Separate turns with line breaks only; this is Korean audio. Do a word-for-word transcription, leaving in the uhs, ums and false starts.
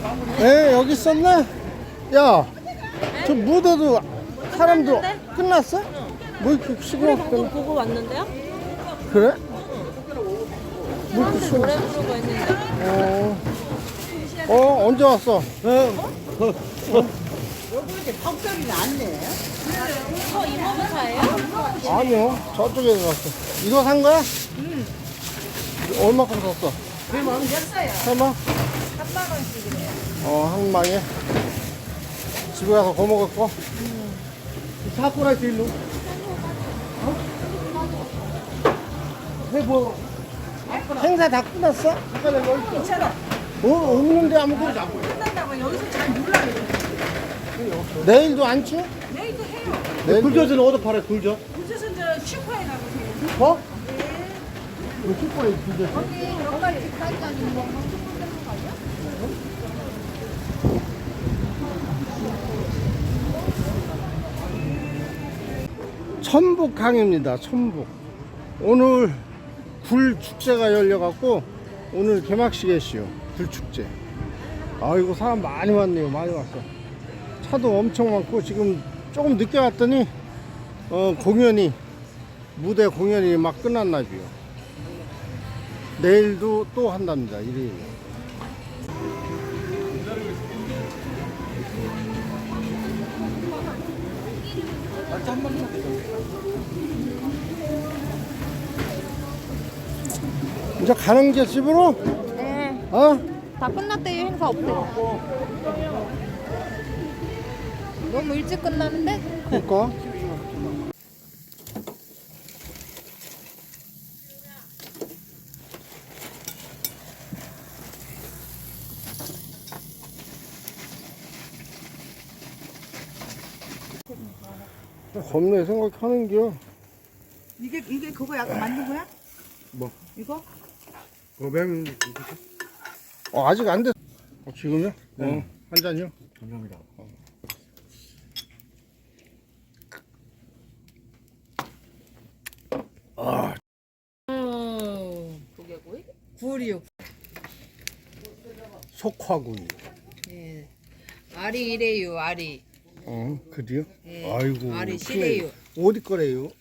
에 여기 있었네? 야, 저 무대도 사람들 끝났어? 뭐 이렇게 쉬고
노래 방송
왔구나.
보고 왔는데요?
그래? 뭐 이렇게
사람들
쉬고
노래 부르고 했는데.
어, 어 언제 왔어? 어?
이거 이모부 차예요?
아니요, 저쪽에 갔어. 이거 산 거야? 응. 얼마큼 샀어?
만 원 줬어요.
설마?
삼만 원씩이래요.
어, 한 망에. 집에 가서 거 먹을 거? 사쿠라 일로. 어? 해보. 행사 다 끝났어? 잠깐만, 뭐 있어?
괜찮아.
어, 없는데 아무것도.
끝난다고 여기서 잘 몰라요.
내일도 안 추?
내일도 해요.
굴젓은 어디 팔아, 굴젓?
그래서 저 슈퍼에 가보세요.
어? 왜 슈퍼에 굴젓?
언니, 여기까지 빅사이즈 아니면 뭐 슈퍼 되는 거 아니야?
천북항입니다. 천북. 오늘 굴 축제가 열려갖고 오늘 개막식이시요. 굴 축제. 아이고 사람 많이 왔네요. 많이 왔어. 차도 엄청 많고 지금 조금 늦게 왔더니 어, 공연이 무대 공연이 막 끝났나 봐요. 내일도 또 한답니다. 일요일. 이제 가는 게 집으로?
네.
어?
다 끝났대요. 행사 없대요. 너무 일찍 끝나는데?
그니까. 겁내 생각하는겨.
이게, 이게 그거 약간 만든 거야?
뭐?
이거?
고뱅. 어, 아직 안 됐어. 어, 지금요? 네. 어, 한 잔이요? 감사합니다. 어. 아,
음, 조개구이?
굴이요.
속화구이.
예. 알이 이래요, 알이.
어, 그래요?
예.
아이고.
알이
크네.
시래요.
어디 거래요?